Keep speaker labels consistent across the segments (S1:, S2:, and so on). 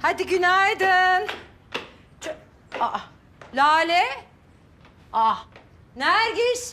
S1: Hadi günaydın. Aa, Lale. Nergis.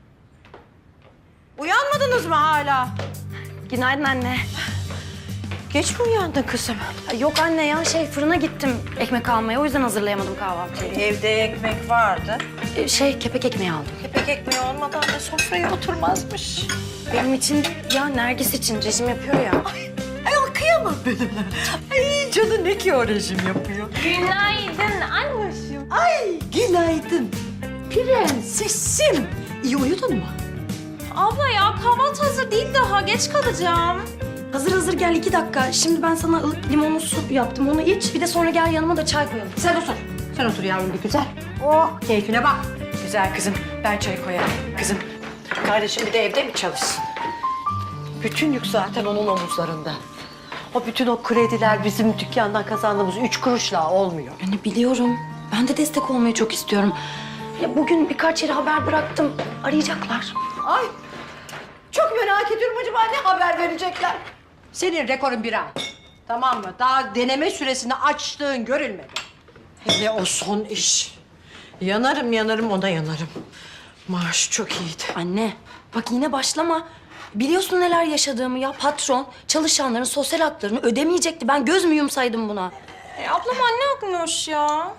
S1: Uyanmadınız mı hala?
S2: Günaydın anne.
S1: Geç mi uyandın kızım?
S2: Yok anne ya fırına gittim ekmek almaya. O yüzden hazırlayamadım kahvaltıyı.
S1: Evde ekmek vardı.
S2: Kepek ekmeği aldım.
S1: Kepek ekmeği olmadan da sofraya oturmazmış.
S2: Benim için ya Nergis için rejim yapıyor ya.
S1: Ay kıyamam benim. Ay canı ne ki o rejim yapıyor.
S3: Günaydın anneciğim.
S1: Ay günaydın. Prensesim. İyi uyudun mu?
S3: Abla ya kahvaltı hazır değil daha. Geç kalacağım.
S2: Hazır gel 2 dakika. Şimdi ben sana ılık limonlu su yaptım. Onu iç. Bir de sonra gel yanıma da çay koyalım.
S1: Sen otur. Sen otur yavrum bir güzel. Oh keyfine bak. Güzel kızım. Ben çay koyarım kızım. Kardeşim bir de evde mi çalışsın? Bütün yük zaten onun omuzlarında. O bütün o krediler bizim dükkandan kazandığımız 3 kuruşla olmuyor.
S2: Anne biliyorum. Ben de destek olmayı çok istiyorum. Ya bugün birkaç yere haber bıraktım. Arayacaklar.
S1: Ay çok merak ediyorum acaba ne haber verecekler? Senin rekorun 1 ay. Tamam mı? Daha deneme süresini açtığın görülmedi. Hele o son iş. Yanarım ona yanarım. Maaş çok iyiydi.
S2: Anne bak yine başlama. Biliyorsun neler yaşadığımı ya. Patron çalışanların sosyal haklarını ödemeyecekti. Ben göz mü yumsaydım buna?
S3: Ablam anne akmış ya.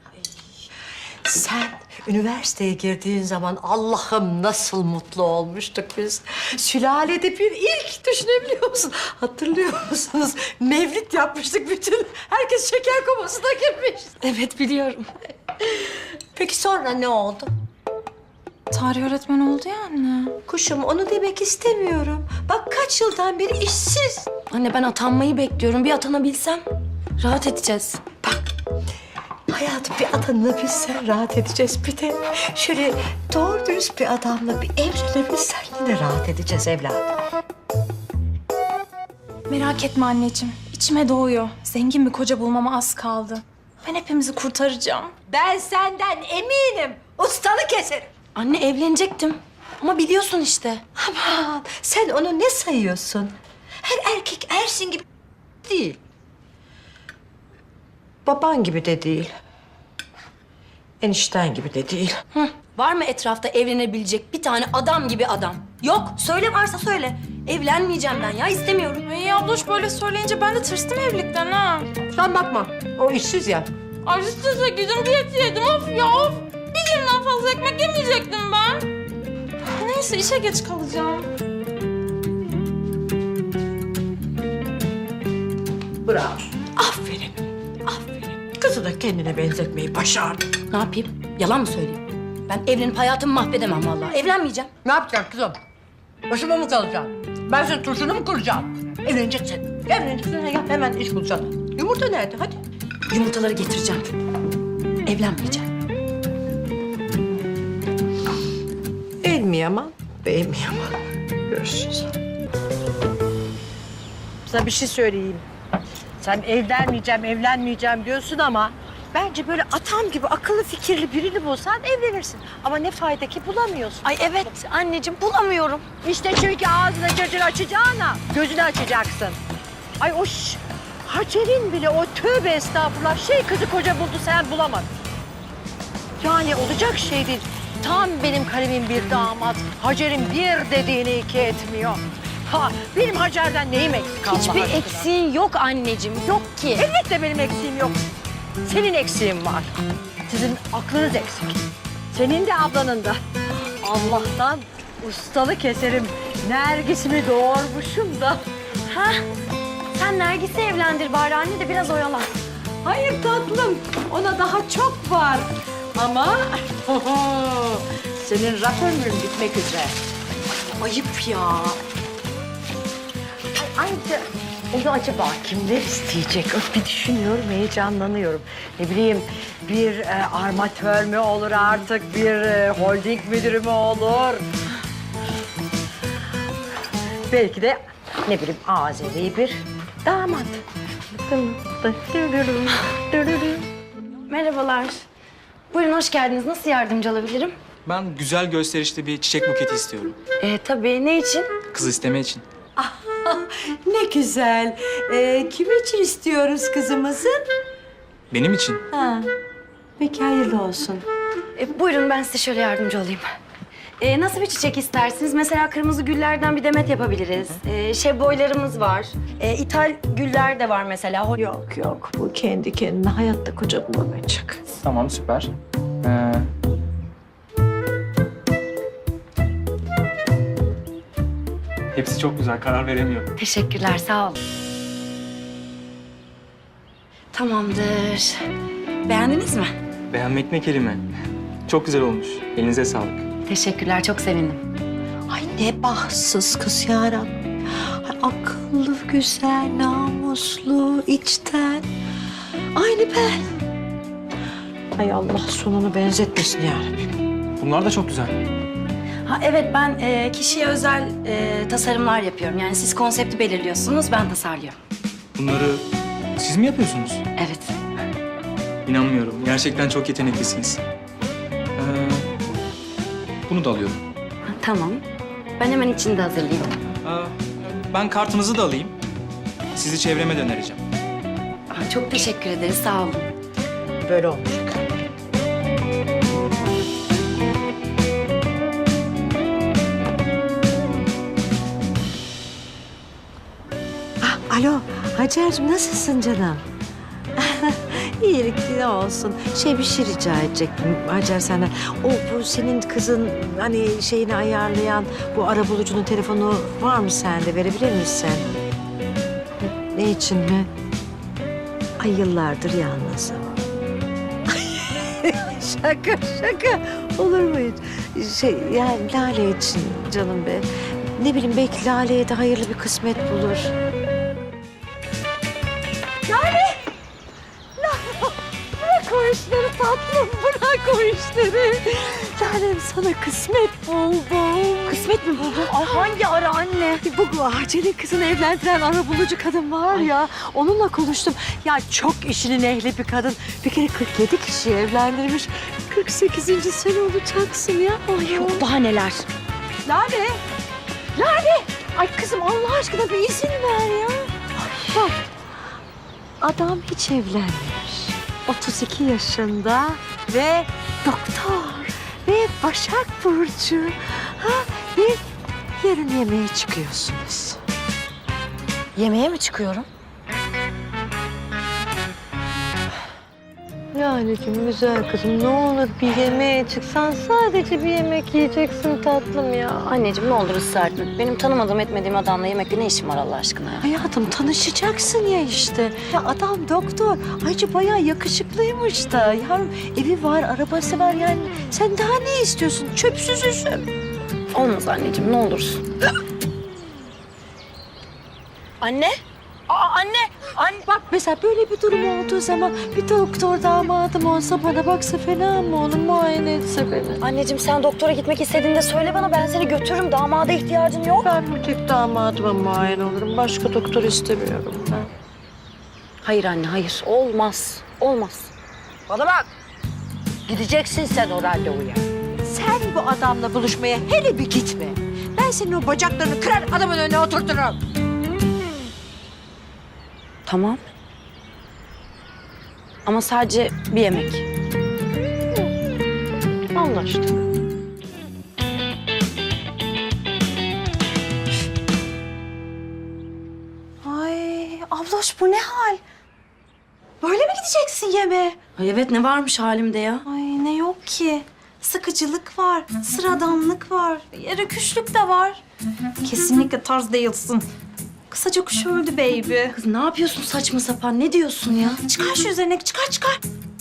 S1: Sen üniversiteye girdiğin zaman Allah'ım nasıl mutlu olmuştuk biz. Sülalede bir ilk düşünebiliyor musun? Hatırlıyor musunuz? Mevlid yapmıştık bütün. Herkes şeker komasına girmiş.
S2: Evet biliyorum.
S1: Peki sonra ne oldu?
S3: Tarih öğretmeni oldu ya anne.
S1: Kuşum onu demek istemiyorum. Bak kaç yıldan beri işsiz.
S2: Anne ben atanmayı bekliyorum. Bir atanabilsem rahat edeceğiz.
S1: Hayatım bir atanabilsen rahat edeceğiz. Bir de şöyle doğru dürüst bir adamla bir evlenebilsen yine rahat edeceğiz evladım.
S3: Merak etme anneciğim. İçime doğuyor. Zengin bir koca bulmama az kaldı. Ben hepimizi kurtaracağım.
S1: Ben senden eminim. Ustalık keserim.
S2: Anne evlenecektim. Ama biliyorsun işte.
S1: Aman sen onu ne sayıyorsun? Her erkek Ersin gibi değil. Baban gibi de değil. Enişten gibi de değil.
S2: Hı. Var mı etrafta evlenebilecek bir tane adam gibi adam? Yok. Söyle varsa söyle. Evlenmeyeceğim ben ya. İstemiyorum.
S3: Ay abloş böyle söyleyince ben de tırstım evlilikten ha.
S1: Sen bakma. O işsiz ya.
S3: Ay size gücüm yetiyordum of ya of. Bir günden fazla ekmek yemeyecektim ben. Neyse işe geç kalacağım.
S1: Bravo. Aferin. Aferin. Kızı da kendine benzetmeyi başardın.
S2: Ne yapayım? Yalan mı söyleyeyim? Ben evlenip hayatımı mahvedemem vallahi. Evlenmeyeceğim.
S1: Ne yapacaksın kızım? Başıma mı kalacaksın? Ben senin turşunu mu kuracağım? Evleneceksin. Evleneceksin ya hemen iş bulacaksın. Yumurta nerede? Hadi.
S2: Yumurtaları getireceğim. Evlenmeyeceğim.
S1: El mi yaman, bey mi yaman? Görüşürüz. Sana bir şey söyleyeyim. Sen evlenmeyeceğim diyorsun ama... Bence böyle atam gibi akıllı fikirli birini bulsan evlenirsin. Ama ne fayda ki bulamıyorsun.
S2: Ay evet anneciğim bulamıyorum.
S1: İşte çünkü ağzını cırcır açacağına gözünü açacaksın. Ay o Hacer'in bile o tövbe estağfurullah kızı koca buldu sen bulamadın. Yani olacak şey değil. Tam benim kalemim bir damat. Hacer'in bir dediğini 2 etmiyor. Ha benim Hacer'den neyim eksik Allah
S2: Hiçbir
S1: aşkına?
S2: eksiğin yok anneciğim. Yok ki.
S1: Elbette benim eksiğim yok. Senin eksiğin var. Sizin aklınız eksik. Senin de ablanın da. Allah'tan ustalık eserim Nergis'imi doğurmuşum da.
S2: Ha? Sen Nergis'i evlendir bari anne de biraz oyalan.
S1: Hayır tatlım, ona daha çok var. Ama senin raf ömrün bitmek üzere. Ayıp ya. Ay, ayrıca onu acaba kimler isteyecek? Bir düşünüyorum, heyecanlanıyorum. Ne bileyim, bir armatör mü olur artık, bir holding müdürü mü olur? Belki de ne bileyim Azeri bir damat.
S2: Merhabalar. Buyurun hoş geldiniz. Nasıl yardımcı olabilirim?
S4: Ben güzel gösterişli bir çiçek buketi istiyorum.
S2: Tabii ne için?
S4: Kız isteme için. Ne güzel. Kim için istiyoruz kızımızı?
S5: Benim için.
S4: Ha. Peki hayırlı olsun.
S2: Buyurun ben size şöyle yardımcı olayım. Nasıl bir çiçek istersiniz? Mesela kırmızı güllerden bir demet yapabiliriz. Şebboylarımız var. İthal güller de var mesela.
S1: Yok yok, bu kendi kendine hayatta koca bulamayacak.
S5: Tamam, süper. Hepsi çok güzel, karar veremiyorum.
S2: Teşekkürler, sağ olun. Tamamdır. Beğendiniz mi?
S5: Beğenmek ne kelime. Çok güzel olmuş. Elinize sağlık.
S2: Teşekkürler, çok sevindim.
S1: Ay ne bahtsız kız yarabbim. Ay, akıllı, güzel, namuslu, içten. Aynı ben. Ay Allah sonunu benzetmesin yarabbim.
S5: Bunlar da çok güzel.
S2: Ha evet, ben kişiye özel tasarımlar yapıyorum. Yani siz konsepti belirliyorsunuz, ben tasarlıyorum.
S5: Bunları siz mi yapıyorsunuz?
S2: Evet.
S5: İnanmıyorum. Gerçekten çok yeteneklisiniz. Bunu da alıyorum.
S2: Ha, tamam. Ben hemen içini de hazırlayayım.
S5: Ben kartınızı da alayım. Sizi çevreme de önereceğim.
S2: Çok teşekkür ederiz, sağ olun.
S1: Böyle olmayacak. Alo, Hacer'cim nasılsın canım? İyilik ne olsun. Bir şey rica edecektim Hacer senden. Bu senin kızın hani şeyini ayarlayan bu arabulucunun telefonu var mı sende? Verebilir misin? Ne için mi? Ay yıllardır yalnızım. Şaka. Olur mu hiç? Yani Lale için canım be. Ne bileyim belki Lale'ye de hayırlı bir kısmet bulur. Bırak o işleri tatlım, bırak o işleri. Lalem sana kısmet buldum.
S2: Kısmet mi buldun? Ay hangi ara anne?
S1: Bu Hacer'in kızını evlendiren arabulucu kadın var ya, onunla konuştum. Ya çok işinin ehli bir kadın. Bir kere 47 kişiyi evlendirmiş. 48. sene olacaksın ya. Ay,
S2: Yok daha neler?
S1: Lale! Ay kızım Allah aşkına bir izin ver ya. Bak, adam hiç evlenmemiş. 32 yaşında ve doktor ve Başak Burcu. Ve yarın yemeğe çıkıyorsunuz.
S2: Yemeğe mi çıkıyorum?
S1: Lale'cim güzel kızım ne olur bir yemeğe çıksan sadece bir yemek yiyeceksin tatlım ya.
S2: Anneciğim ne olur ısrar etme. Benim tanımadığım etmediğim adamla yemekte ne işim var Allah aşkına ya?
S1: Hayatım tanışacaksın ya işte. Ya adam doktor. Ayrıca bayağı yakışıklıymış da. Yavrum evi var, arabası var yani. Sen daha ne istiyorsun? Çöpsüz üzüm.
S2: Olmaz anneciğim ne olursun. Anne? Anne!
S1: Bak mesela böyle bir durum olduğu zaman bir doktor damadım olsa bana baksa fena mı olur? Muayene etse beni.
S2: Anneciğim sen doktora gitmek istediğinde söyle bana, ben seni götürürüm. Damada ihtiyacın yok.
S1: Ben bir tek damadıma muayene olurum. Başka doktor istemiyorum ben.
S2: Hayır anne hayır. Olmaz. Olmaz.
S1: Bana bak. Gideceksin sen o randevuya. Sen bu adamla buluşmaya hele bir gitme. Ben senin o bacaklarını kırar adamın önüne oturturum.
S2: Tamam. Ama sadece bir yemek.
S1: Anlaştık.
S6: Ay abloş bu ne hal? Böyle mi gideceksin yemeğe?
S2: Ay evet ne varmış halimde ya?
S6: Ay ne yok ki. Sıkıcılık var, sıradanlık var, rüküşlük de var. Kesinlikle tarz değilsin. Kısaca kuş öldü baby.
S2: Kız ne yapıyorsun saçma sapan? Ne diyorsun ya?
S6: Çıkar şu üzerindeki, çıkar.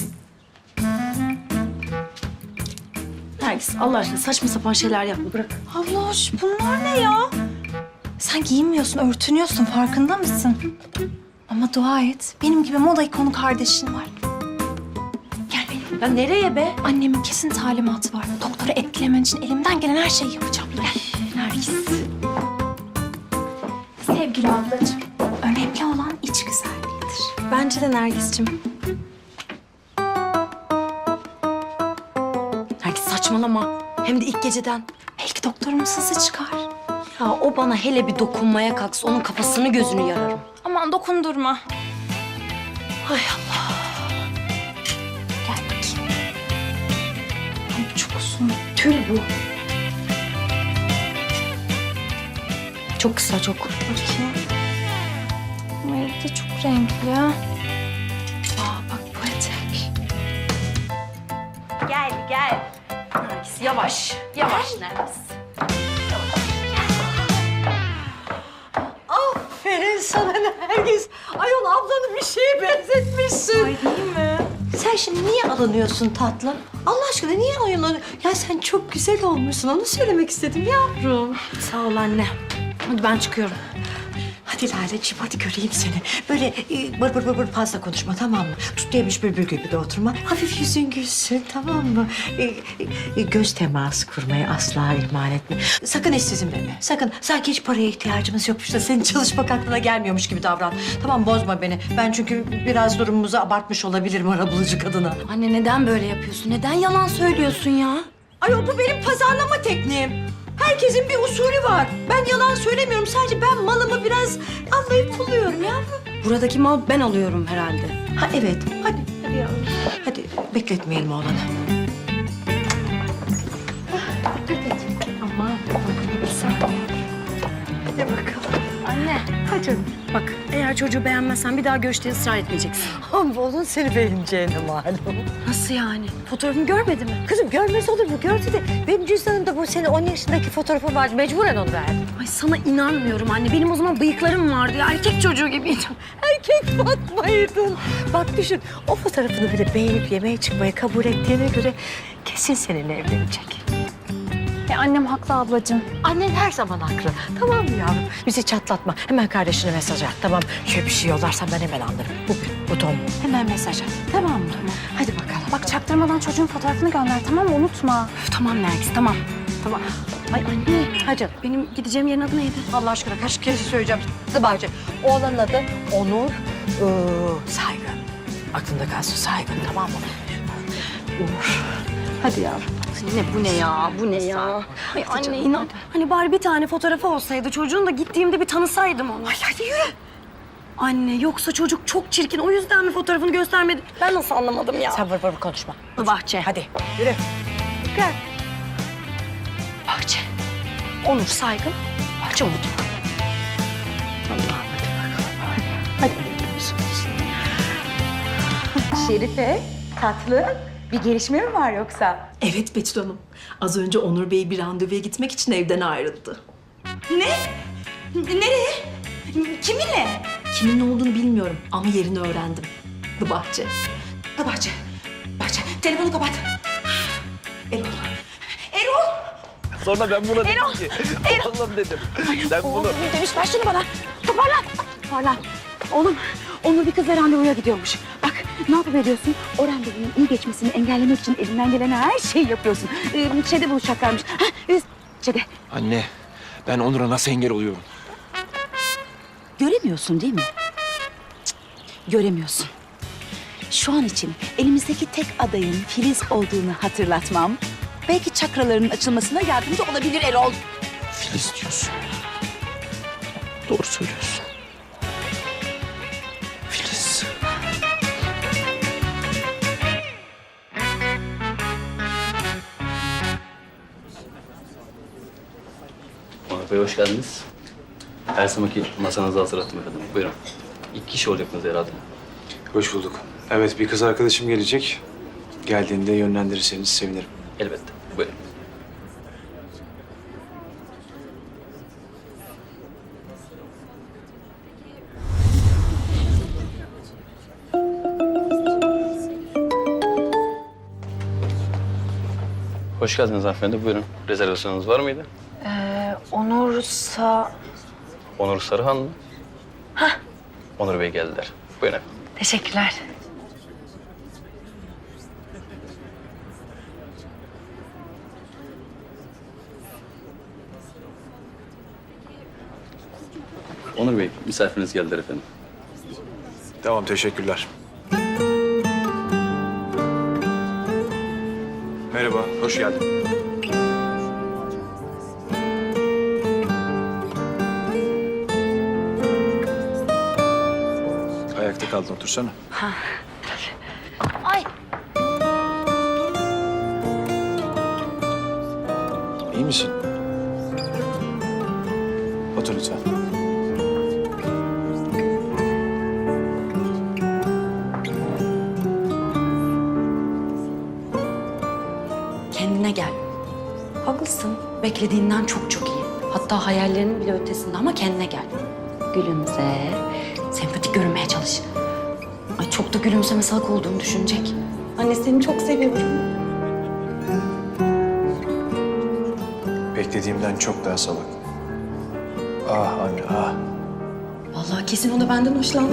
S2: Nergis Allah aşkına saçma sapan şeyler yapma bırak.
S6: Abloş bunlar ne ya? Sen giyinmiyorsun, örtünüyorsun farkında mısın? Ama dua et, benim gibi moda ikonu kardeşin var. Gel benim.
S2: Ya nereye be?
S6: Annemin kesin talimatı var. Doktora etkilemen için elimden gelen her şeyi yapacağım. Gel.
S2: Nergis.
S6: Sevgili ablacığım, önemli olan iç güzelliğidir.
S2: Bence de Nergis'cim. Nergis saçmalama. Hem de ilk geceden.
S6: Belki doktorumuz hızlı çıkar.
S2: Ya o bana hele bir dokunmaya kalksa onun kafasını gözünü yararım.
S3: Aman dokundurma.
S2: Hay Allah.
S3: Gel bakayım. Ay çok uzun.
S2: Tül bu. Çok kısa çok.
S3: Bakayım. Ama evde çok renkli. Aa bak bu etek.
S2: Gel gel. Nergis yavaş. Yavaş Nergis.
S4: Aferin sana Nergis. Ayol ablanı bir şeye benzetmişsin.
S6: Ay değil mi?
S4: Sen şimdi niye alınıyorsun tatlım? Allah aşkına niye alınıyorsun? Ya sen çok güzel olmuşsun. Onu söylemek istedim yavrum.
S2: Sağ ol anne. Hadi ben çıkıyorum.
S4: Hadi Laleciğim hadi göreyim seni. Böyle bır bır fazla konuşma tamam mı? Tut yemiş bülbül gibi de oturma. Hafif yüzün gülsün tamam mı? Göz teması kurmayı asla ihmal etme. Sakın işsizim deme. Sakın. Sanki hiç paraya ihtiyacımız yokmuş da senin çalışmak aklına gelmiyormuş gibi davran. Tamam bozma beni. Ben çünkü biraz durumumuzu abartmış olabilirim arabulucu kadına.
S2: Anne neden böyle yapıyorsun? Neden yalan söylüyorsun ya?
S4: Ay bu benim pazarlama tekniğim. Herkesin bir usulü var. Ben yalan söylemiyorum. Sadece ben malımı biraz anlayıp buluyorum yavrum.
S2: Buradaki mal ben alıyorum herhalde.
S4: Ha evet. Hadi yavrum. Hadi bekletmeyelim oğlanı. Aman bir saniye. Hadi bakalım.
S2: Anne.
S4: Hadi.
S2: Bak eğer çocuğu beğenmezsen bir daha görüşte ısrar etmeyeceksin.
S4: Ama onun seni beğeneceğine malum.
S2: Nasıl yani? Fotoğrafımı görmedi mi?
S4: Kızım görmez olur mu? Gördü de benim cüzdanımda bu senin 10 yaşındaki fotoğrafın vardı. Mecburen onu verdim.
S2: Ay sana inanmıyorum anne. Benim o zaman bıyıklarım vardı ya. Erkek çocuğu gibiydim.
S4: Erkek Fatma'ydın. Bak düşün, o fotoğrafını bile beğenip yemeğe çıkmayı kabul ettiğine göre kesin seninle evlenecek.
S6: Annem haklı ablacığım.
S4: Annen her zaman haklı. Tamam mı yavrum? Bizi çatlatma. Hemen kardeşine mesaj at. Tamam. Şöyle bir şey yollarsan ben hemen anlarım. Bu Tom. Hemen mesaj at. Tamam mı? Tamam. Hadi bakalım.
S6: Bak çaktırmadan çocuğun fotoğrafını gönder tamam mı? Unutma.
S2: Üf, tamam Nergis tamam.
S4: Tamam.
S2: Ay anne.
S4: Hadi.
S2: Benim gideceğim yerin adı neydi?
S4: Allah aşkına kaç kere söyleyeceğim. Dıbacı. Oğlanın adı Onur Saygın. Aklında kalsın Saygın tamam mı? Onur. Hadi yavrum.
S2: Anne bu ne ya? Bu ne ya? Ay anne inan. Hani bari bir tane fotoğrafı olsaydı çocuğun da gittiğimde bir tanısaydım onu.
S4: Ay hadi yürü.
S2: Anne yoksa çocuk çok çirkin. O yüzden mi fotoğrafını göstermedi? Ben nasıl anlamadım ya?
S4: Sen vır konuşma.
S2: Bahçe.
S4: Hadi yürü. Gel.
S2: Bahçe. Onur Saygın. Bahçe Umut.
S4: Allah'ım hadi bakalım. Hadi.
S7: Şerife, tatlı. Bir gelişme mi var yoksa?
S8: Evet Betül Hanım. Az önce Onur Bey bir randevuya gitmek için evden ayrıldı.
S7: Ne? Nereye? Kiminle?
S8: Kimin ne olduğunu bilmiyorum ama yerini öğrendim. The Bahçe.
S7: Bahçe. Bahçe. Telefonu kapat. Erol. Erol.
S9: Sonra ben buna dedim ki, oğlum dedim. Sen bunu...
S2: Demiş ver şunu bana. Toparlan. Toparlan. Oğlum Onur bir kızla randevuya gidiyormuş. Bak ne yapıveriyorsun? O randevunun iyi geçmesini engellemek için elinden gelen her şeyi yapıyorsun. Şeyde buluşacaklarmış. Şeyde.
S9: Anne, ben Onur'a nasıl engel oluyorum?
S10: Göremiyorsun değil mi? Cık, göremiyorsun. Şu an için elimizdeki tek adayın Filiz olduğunu hatırlatmam belki çakralarının açılmasına yardımcı olabilir Erol.
S9: Filiz diyorsun. Doğru söylüyorsun. Filiz.
S11: Onur Bey hoş geldiniz. Her zamanki masanızı hazırlattım efendim. Buyurun. 2 kişi olacaksınız herhalde.
S12: Hoş bulduk. Evet, bir kız arkadaşım gelecek. Geldiğinde yönlendirirseniz sevinirim.
S11: Elbette. Buyurun. Hoş geldiniz hanımefendi. Buyurun. Rezervasyonunuz var mıydı?
S2: Onur
S11: Onur Sarıhan mı? Hah. Onur Bey geldiler. Buyurun efendim.
S2: Teşekkürler.
S11: Onur Bey, misafiriniz geldiler efendim.
S12: Tamam, teşekkürler. Merhaba, hoş geldin. kaldın, otursana.
S10: Ay.
S12: İyi misin? Otur lütfen.
S2: Kendine gel. Haklısın. Beklediğinden çok çok iyi. Hatta hayallerinin bile ötesinde ama kendine gel. Gülümse. Sempatik görünmeye çalış. Ay çok da gülümseme salak olduğunu düşünecek. Anne seni çok seviyorum.
S12: Beklediğimden çok daha salak. Ah anne, ah.
S2: Vallahi kesin o da benden hoşlandı.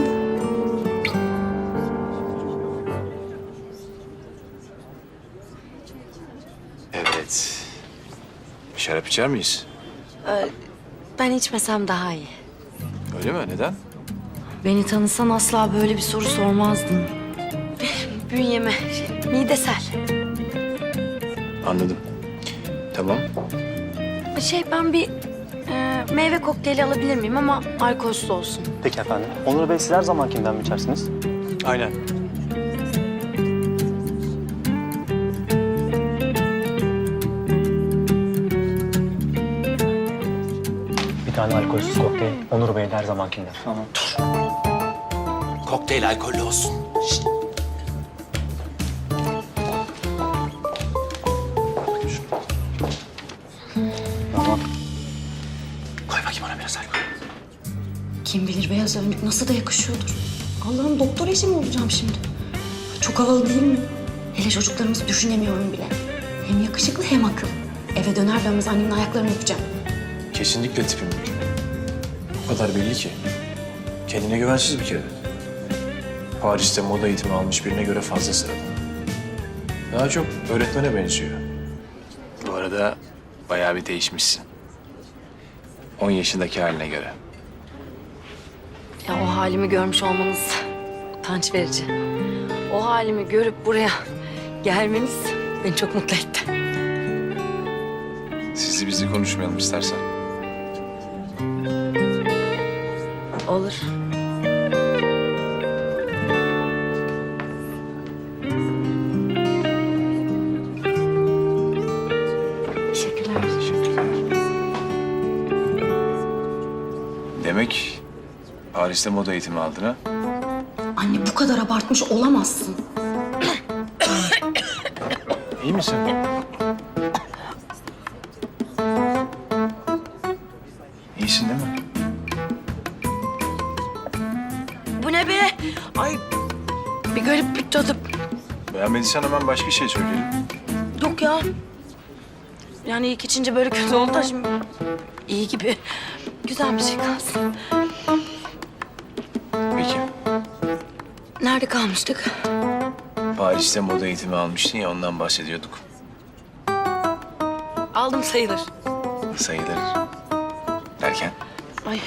S12: Evet. Şarap içer miyiz?
S2: Ben içmesem daha iyi.
S12: Öyle mi? Neden?
S2: Beni tanısan asla böyle bir soru sormazdın. Bünyeme, midesel.
S12: Anladım. Tamam.
S2: Ben bir meyve kokteyli alabilir miyim ama alkolsüz olsun.
S9: Peki efendim. Onur Bey siz her zamankinden mi içersiniz?
S12: Aynen.
S9: Bir tane alkolsüz kokteyl. Onur Bey'in her zamankinden. Tamam.
S13: Kokteyl alkollü olsun. Şişt.
S9: Tamam.
S13: Koy bakayım ona biraz alkol.
S2: Kim bilir beyaz önlük nasıl da yakışıyordur. Allah'ım doktor eşi mi olacağım şimdi? Çok havalı değil mi? Hele çocuklarımızı düşünemiyorum bile. Hem yakışıklı hem akıllı. Eve döner dönmez annemin ayaklarını öpeceğim.
S12: Kesinlikle tipim değil. O kadar belli ki. Kendine güvensiz bir kere. Paris'te moda eğitimi almış birine göre fazla sıradan. Daha çok öğretmene benziyor. Bu arada bayağı bir değişmişsin. 10 yaşındaki haline göre.
S2: Ya o halimi görmüş olmanız utanç verici. O halimi görüp buraya gelmeniz beni çok mutlu etti.
S12: Sizi bizi konuşmayalım istersen.
S2: Olur. Teşekkürler.
S12: Demek Paris'te moda eğitimi aldın ha?
S2: Anne bu kadar abartmış olamazsın.
S12: İyi misin? İyisin değil mi?
S2: Bu ne be? Ay bir garip bir tadı.
S12: Beğenmediysen hemen başka şey söyleyelim.
S2: Yok ya. Yani ilk içince böyle kötü oldu da şimdi iyi gibi. Güzel bir şey kalsın.
S12: Peki.
S2: Nerede kalmıştık?
S12: Paris'te moda eğitimi almıştın ya, ondan bahsediyorduk.
S2: Aldım sayılır.
S12: Sayılır. Derken?
S2: Ay.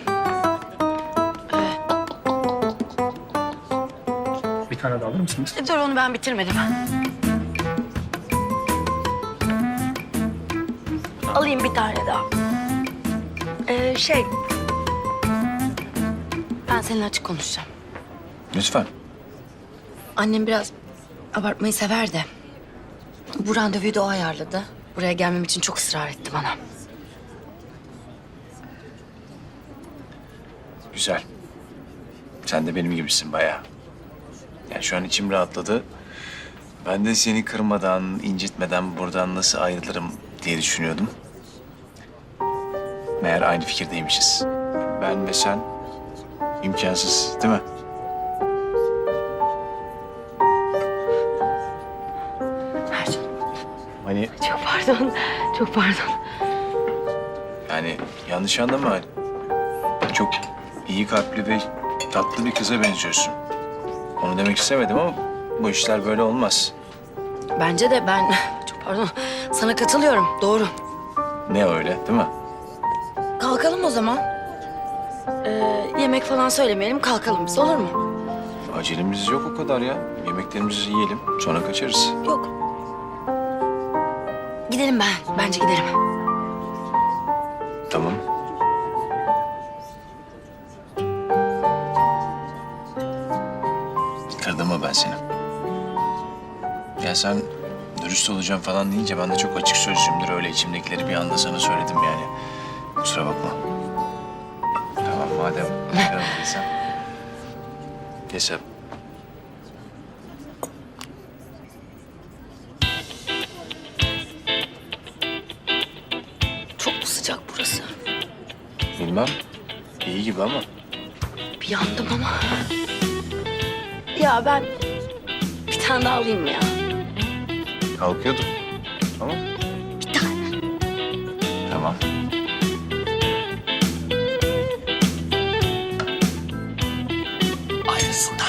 S9: Bir tane de alır mısınız?
S2: Dur onu ben bitirmedim. Alayım bir tane daha. Ben seninle açık konuşacağım.
S12: Lütfen.
S2: Annem biraz abartmayı sever de. Bu randevuyu da o ayarladı. Buraya gelmem için çok ısrar etti bana.
S12: Güzel. Sen de benim gibisin bayağı. Yani şu an içim rahatladı. Ben de seni kırmadan, incitmeden buradan nasıl ayrılırım diye düşünüyordum. Meğer aynı fikirdeymişiz. Ben ve sen imkansız, değil mi?
S2: Ercan,
S12: Hani
S2: çok pardon. Çok pardon.
S12: yani yanlış anlama. Çok iyi kalpli ve tatlı bir kıza benziyorsun. Onu demek istemedim ama bu işler böyle olmaz.
S2: Bence de ben çok pardon. Sana katılıyorum. Doğru.
S12: Ne öyle, değil mi?
S2: Kalkalım o zaman. Yemek falan söylemeyelim. Kalkalım biz. Olur mu?
S12: Acelemiz yok o kadar ya. Yemeklerimizi yiyelim, sonra kaçarız.
S2: Yok. Gidelim ben. Bence gidelim.
S12: Tamam. ben seni. Ya sen dürüst olacağım falan deyince ben de çok açık sözlüyümdür. Öyle içimdekileri bir anda sana söyledim yani. Kusura bakma. Tamam madem öyleysen. Neyse.
S10: Çok mu sıcak burası?
S12: Bilmem. İyi gibi ama.
S10: Bir yandım ama. Ya ben bir tane daha alayım ya.
S12: Kalkıyordum. Ama.
S10: Bir tane.
S12: Tamam.
S13: Aynısından.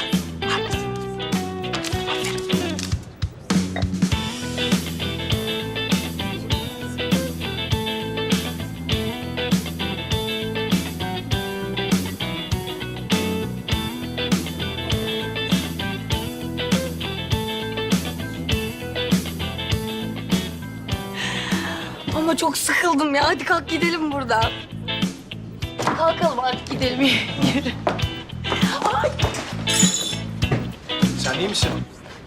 S10: Ama çok sıkıldım ya. Hadi kalk gidelim buradan. Kalkalım hadi gidelim. Yürü. Ay.
S12: Sen iyi misin?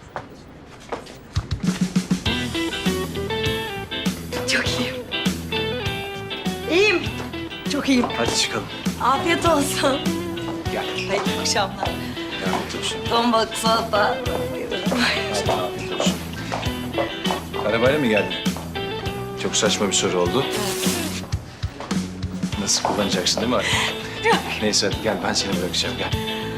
S10: Çok iyiyim. İyiyim. Çok iyiyim.
S12: Hadi çıkalım.
S10: Afiyet olsun.
S12: Gel.
S10: Hayırlı akşamlar.
S12: Gel otursun.
S10: Ton balık salata.
S12: Hadi afiyet olsun. Arabayla mı geldin? Çok saçma bir soru oldu. Nasıl kullanacaksın değil mi arabayı? Neyse hadi gel ben seni bırakacağım gel.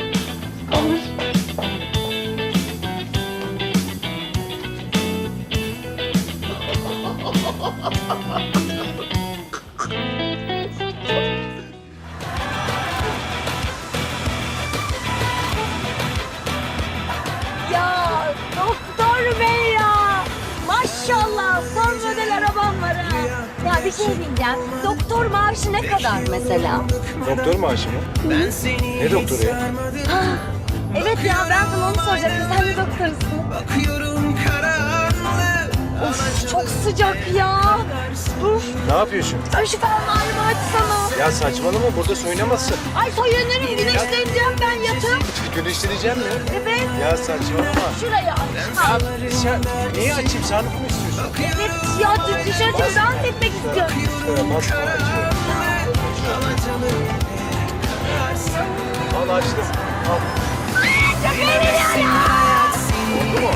S1: Ya doktor bey ya. Maşallah son model arabam var ha. Ya bir şey diyeceğim. Doktor maaşı ne kadar mesela?
S12: Doktor maaşı mı? Ne doktoru ya?
S1: Evet ya ben sana onu soracaktım. Sen de doktorsun. Of çok sıcak ya. Dur.
S12: Ne yapıyorsun?
S1: Ay şu fermuarımı açsana.
S12: Ya saçmalama burada soyunamazsın.
S1: Ay soyunlarım güneşleneceğim ben yatıp.
S12: Güneşleneceğim mi?
S1: Evet.
S12: Ya saçmalama.
S1: Şuraya aç.
S12: Neyi açayım sen mi istiyorsun?
S1: Evet ya dışarı çıkıp dans etmek istiyorum.
S12: Al açtım. Al.
S1: Çok eğleniyorum.
S12: Oldu mu?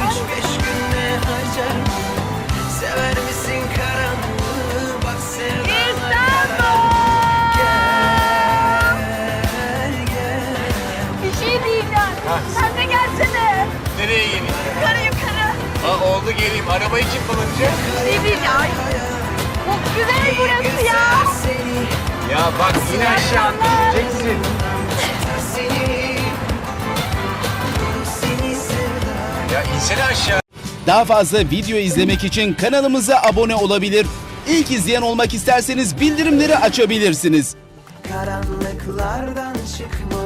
S1: Bir şey diyeceğim. Sen de gelsene.
S12: Nereye geleyim?
S1: Yukarı yukarı.
S12: Aa, oldu geleyim. Arabayı kim kullanacak?
S1: Bir şey diyeceğim. Çok güzel burası ya.
S12: Ya bak yine aşağı gideceksin. Ya insene aşağı.
S14: Daha fazla video izlemek için kanalımıza abone olabilir. İlk izleyen olmak isterseniz bildirimleri açabilirsiniz.
S15: Karanlıklardan çıkmalı.